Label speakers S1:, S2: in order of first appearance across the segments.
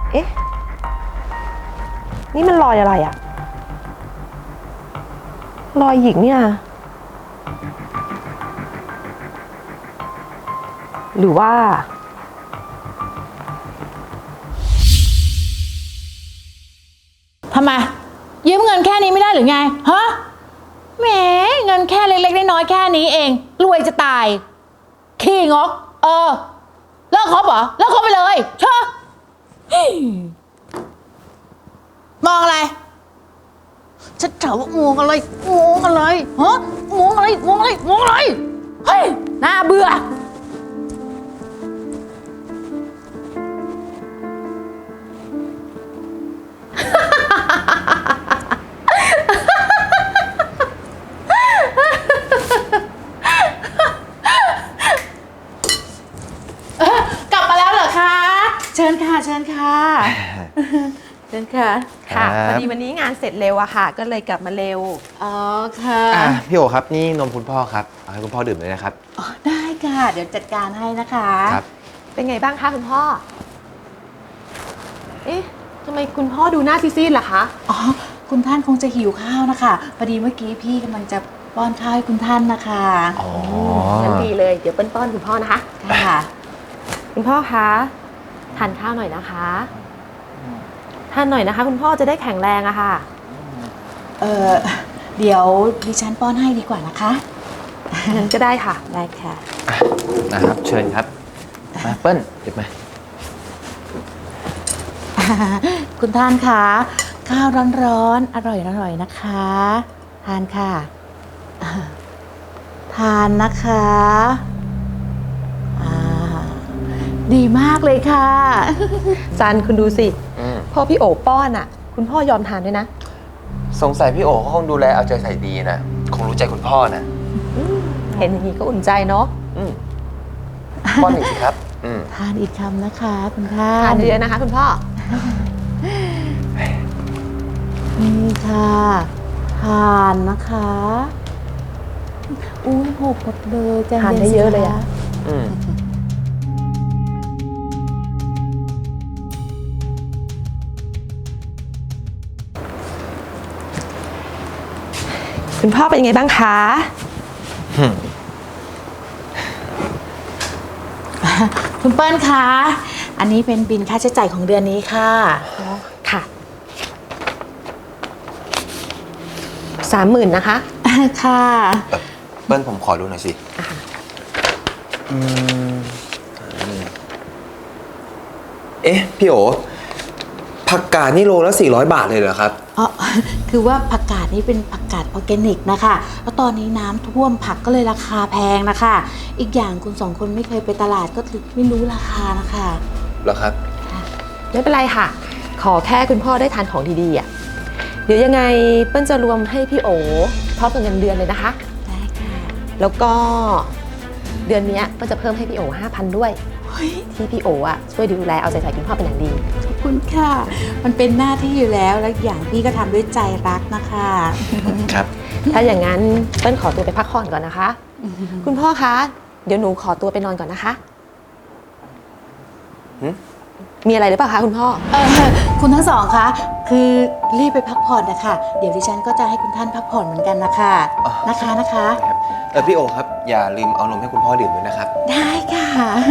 S1: เอ๊ะนี่มันรอยอะไรอะรอยหยิกเนี่ยหรือว่า
S2: ทำไมยืมเงินแค่นี้ไม่ได้หรือไงฮะแหมเงินแค่เล็กๆน้อยๆแค่นี้เองรวยจะตายขี้งกเลิกคบเหรอเลิกคบไปเลยเชอะมองอะไรฉันถามว่ามองอะไรมองอะไรฮะมองอะไรมองอะไรมองอะไรเฮ้ยน่าเบื่อ กลับมาแล้วเหรอคะเชิญค่ะเชิญค่ะเชิญค่ะ
S1: ค่ะพอดีวันนี้งานเสร็จเร็วอะค่ะก็เลยกลับมาเร็ว
S2: อ๋อค่ะ
S3: พี่โอครับนี่นมคุณพ่อครับเอาให้คุณพ่อดื่มเลยนะครับ
S2: อ๋อได้ค่ะเดี๋ยวจัดการให้นะคะ
S3: ครับ
S1: เป็นไงบ้างคะคุณพ่อเอ๊ะทำไมคุณพ่อดูหน้าซีดๆล่ะคะ
S2: อ๋อคุณท่านคงจะหิวข้าวนะคะพอดีเมื่อกี้พี่กำลังจะป้อนข้าวให้คุณท่านนะคะ
S3: อ๋อ
S1: งั้นดีเลยเดี๋ยวเปิ้ลป้อนคุณพ่อนะคะ
S2: ค่ะ
S1: คุณพ่อคะทานข้าวหน่อยนะคะทานหน่อยนะคะคุณพ่อจะได้แข็งแรงอะค่ะ
S2: เดี๋ยวดิฉันป้อนให้ดีกว่านะคะ
S1: งั้นก็ได้ค่ะ
S2: ได้ค่ะ
S3: นะครับเชิญครับมาเปิ้ลหยิบมา
S2: คุณท่านคะข้าวร้อนๆอร่อยๆนะคะทานค่ะทานนะคะดีมากเลยค่ะ
S1: ซันคุณดูสิพ่อพี่โอป้อนอะคุณพ่อยอมทานด้วยนะ
S3: สงสัยพี่โอเขาคงดูแลเอาใจใส่ดีนะคงรู้ใจคุณพ่อนะ
S1: เห็นอย่างนี้ก็อุ่นใจเนาะ
S3: ป้อนอีกสิครับ
S2: ทานอีกคำนะคะคุณท่าน
S1: ทานเยอะๆนะคะคุณพ่อ
S2: นี่ค่ะทานนะคะอุ้ยหกหมดเลยใจ
S1: ทานได้เยอะเลยอะคุณพ่อเป็นยังไงบ้างคะ
S2: คุณเปิ้ลคะอันนี้เป็นบิลค่าใช้จ่ายของเดือนนี้ค่ะ
S1: ค่ะ30,000นะคะ
S2: ค่ะ
S3: เปิ้ลผมขอดูหน่อยสิเอ๊ะพี่โอผักกาดนี่โลละ400 บาทเลยเหรอครับ
S2: อ๋อคือว่าผักกาดนี่เป็นผักกาดออร์แกนิกนะคะแล้วตอนนี้น้ำท่วมผักก็เลยราคาแพงนะคะอีกอย่างคุณ2 คนไม่เคยไปตลาดก็ถึงไม่รู้ราคานะคะ
S3: เหรอครับ
S1: ไม่เป็นไรค่ะขอแค่คุณพ่อได้ทานของดีๆอ่ะเดี๋ยวยังไงเปิ้ลจะรวมให้พี่โอพร้อมกับเงินเดือนเลยนะคะ
S2: ได้ค่ะ
S1: แล้วก็เดือนนี้เปิ้ลจะเพิ่มให้พี่โอ5,000ด้วยที่พี่โออ่ะช่วยดูแลเอาใจใส่คุณพ่อเป็นอย่างดี
S2: ขอบคุณค่ะมันเป็นหน้าที่อยู่แล้วและอย่างพี่ก็ทำด้วยใจรักนะคะ
S3: ครับ
S1: ถ้าอย่างนั้นเปิ้ลขอตัวไปพักผ่อนก่อนนะคะคุณพ่อคะเดี๋ยวหนูขอตัวไปนอนก่อนนะคะมีอะไรหรือเปล่าคะคุณพ่อ
S2: คุณทั้งสองคะคือรีบไปพักผ่อนนะคะเดี๋ยวดิฉันก็จะให้คุณท่านพักผ่อนเหมือนกันนะคะนะคะ
S3: พี่โอครับอย่าลืมเอานมให้คุณพ่อดื่มด้วยนะครับ
S2: ได้ค่ะ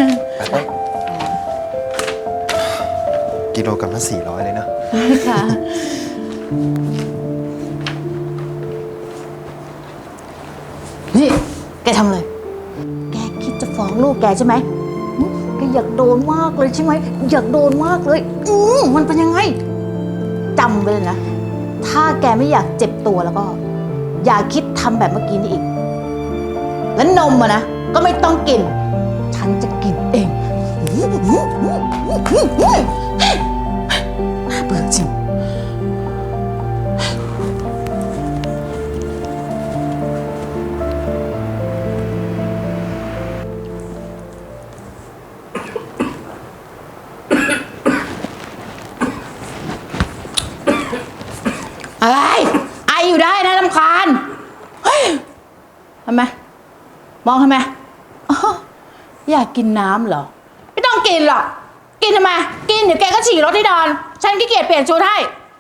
S3: กิโลกรัมละ400เลยเนาะ
S2: ได้ค่ะนี่แกทำเลยแกคิดจะฟ้องลูกแกใช่ไหมแกอยากโดนมากเลยใช่ไหมอยากโดนมากเลยมันเป็นยังไงจำไปเลยนะถ้าแกไม่อยากเจ็บตัวแล้วก็อย่าคิดทำแบบเมื่อกี้นี่อีกแล้วนมอะนะก็ไม่ต้องกินฉันจะกินเองน่าเบื่อจริงอะไรไออยู่ได้นะรำคาญทำไมมองทำไมอยากกินน้ำเหรอไม่ต้องกินหรอกกินทำไมกินเดี๋ยวแกก็ฉี่รถที่นอนฉันขี้เกียจเปลี่ยนชุดให้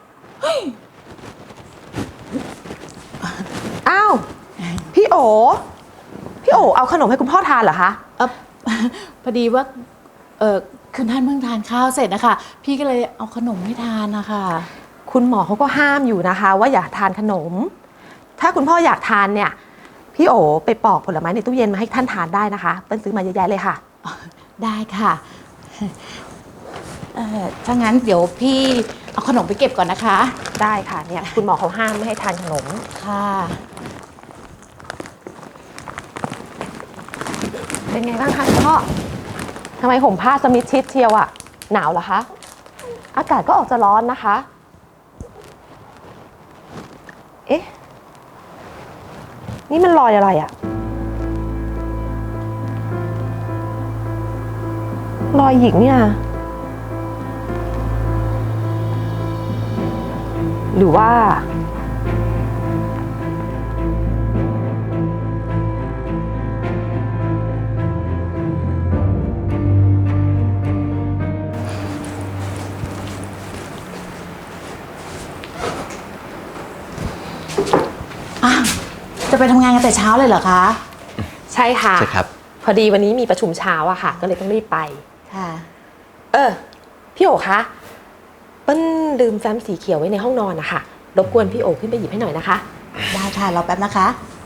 S1: อ้าวพี่โอเอาขนมให้คุณพ่อทานเหรอคะ
S2: เออ พอดีว่าคุณท่านเพิ่งทานข้าวเสร็จนะคะพี่ก็เลยเอาขนมให้ทานนะคะ
S1: คุณหมอเขาก็ห้ามอยู่นะคะ ว่าอย่าทานขนม ถ้าคุณพ่ออยากทานเนี่ยพี่โอไปปอกผลไม้ในตู้เย็นมาให้ท่านทานได้นะคะเปิ้ลซื้อมาเยอะแยะเลยค่ะ
S2: ได้ค่ะถ้างั้นเดี๋ยวพี่เอาขนมไปเก็บก่อนนะคะ
S1: ได้ค่ะเนี่ยคุณหมอเขาห้ามไม่ให้ทานขนม
S2: ค่ะ
S1: เป็นไงบ้างคะคุณพ่อทำไมห่มผ้าสมิธชิดเชียวอะหนาวเหรอคะอากาศก็ออกจะร้อนนะคะเอ๊ะนี่มันรอยอะไรอะรอยหญิงเนี่ยหรือว่า
S2: จะไปทำงานกันแต่เช้าเลยเหรอคะ
S1: ใช่ค่ะ
S3: ใช่ครับ
S1: พอดีวันนี้มีประชุมเช้าอะค่ะ ก็เลยต้องรีบไป
S2: ค่ะ
S1: พี่โอคะเปิ้ลลืมแฟ้มสีเขียวไว้ในห้องนอนนะคะรบกวนพี่โอขึ้นไปหยิบให้หน่อยนะคะ
S2: ได้ค่ะรอแป๊บนะคะ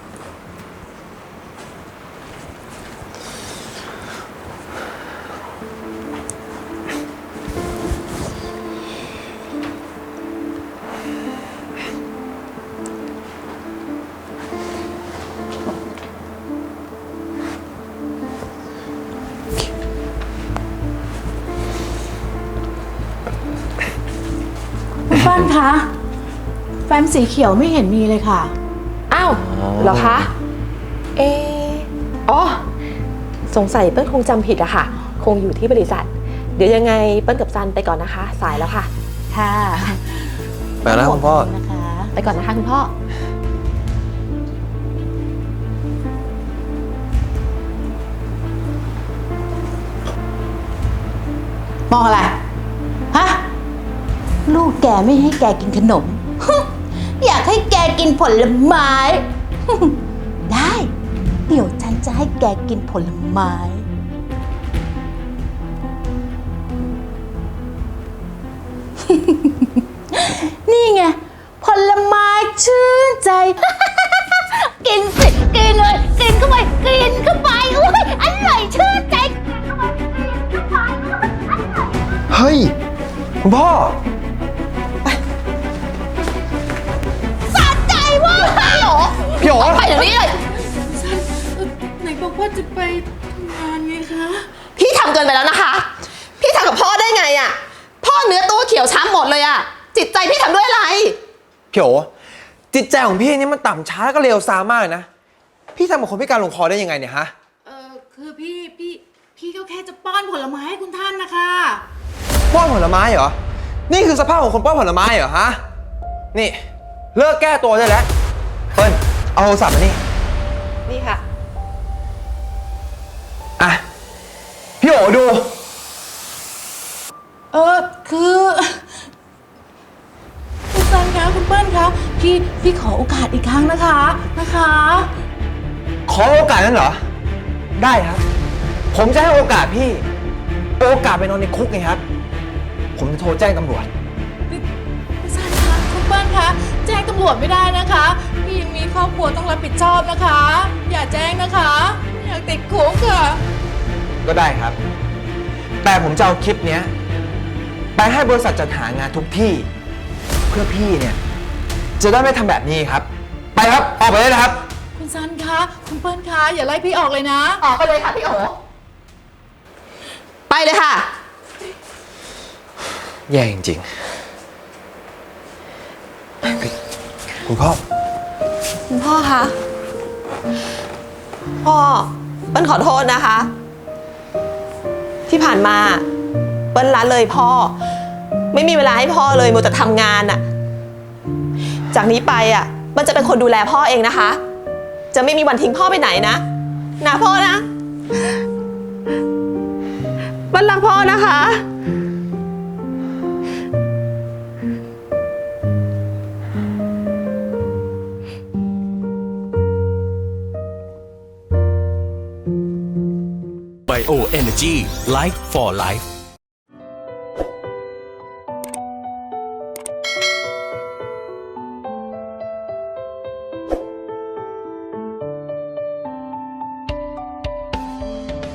S2: คุณป้านคะแฟ้มสีเขียวไม่เห็นมีเลยค่ะ
S1: อ้าวเหรอคะ อ๋อ สงสัยเปิ้ลคงจำผิดอะค่ะ คงอยู่ที่บริษัท เดี๋ยวยังไงเปิ้ลกับซันไปก่อนนะคะ สายแล้วค่ะ
S2: ค่ะ
S3: ไปแล้วคุณพ่อ
S2: นะคะ
S1: ไปก่อนนะคะคุณพ่อ
S2: มองอะไร ฮะ ลูกแกไม่ให้แกกินขนม อยากให้แกกินผลไม้ ได้ เดี๋ยวฉันจะให้แกกินผลไม้ นี่ไง ผลไม้ชื่นใจ กินสิกินเลยกินเข้าไปกินเข้าไปอุ้ยอร่อยชื่นใจกินเข้าไปกินเข้าไปอร่อย
S3: เฮ้ย คุณพ่อ
S2: สะใจเว่าพี่โอ
S3: พี่โอ
S2: ไปเดี๋ยวนี้เลย
S4: ไหนบอกว่าจะไปทำงานไงคะ
S1: พี่ทำเกินไปแล้วนะคะ พี่ทำกับพ่อได้ไงอะพ่อเนื้อตัวเขียวช้ำหมดเลยอะจิตใจพี่ทำด้วยอะไร
S3: พี่โอจิตใจของพี่นี่มันต่ำช้าแล้วก็เลวทรามมากเลยนะ พี่ทำกับคนพิการลงคอได้ยังไงเนี่ยฮะ
S4: คือพี่ก็แค่จะป้อนผลไม้ให้คุณท่านนะคะ
S3: ป้อนผลไม้เหรอ นี่คือสภาพของคนป้อนผลไม้เหรอฮะ นี่เลิกแก้ตัวได้แล้วเปิ้ลเอาโทรศัพท์มานี่
S1: นี่ค่ะ
S3: อ่ะ พี่โอดู
S2: คือคุณซันคะคุณเปิ้ลคะพี่ขอโอกาสอีกครั้งนะคะ
S3: ขอโอกาสนั้นเหรอ ได้ครับ ผมจะให้โอกาสพี่ โอกาสไปนอนในคุกไงครับ ผมจะโทรแจ้งตำรวจ
S2: คุณซันคะคุณเปิ้ลคะแจ้งตำรวจไม่ได้นะคะพี่ยังมีครอบครัวต้องรับผิดชอบนะคะ อย่าแจ้งนะคะไม่อยากติดคุกค่ะ
S3: ก็ได้ครับ แต่ผมจะเอาคลิปเนี้ยไปให้บริษัทจัดหางานทุกที่ เพื่อพี่เนี่ย จะได้ไม่ทำแบบนี้ครับ ไปครับ ออกไปเลยนะครับ
S2: คุณซันคะคุณเปิ้ลคะอย่าไล่พี่ออกเลยนะ
S1: ออกไปเลยค่ะพี่โอ ไปเลยค่ะ
S3: แย่จริงๆคุณพ่อ
S1: คุณพ่อคะ พ่อเปิ้ลขอโทษนะคะ ที่ผ่านมาเปิ้ลละเลยพ่อ ไม่มีเวลาให้พ่อเลยมัวแต่ทำงานอะจากนี้ไปอะเปิ้ลจะเป็นคนดูแลพ่อเองนะคะ จะไม่มีวันทิ้งพ่อไปไหนนะพ่อนะเปิ้ลรักพ่อนะคะ
S5: Bio Energy Life for Life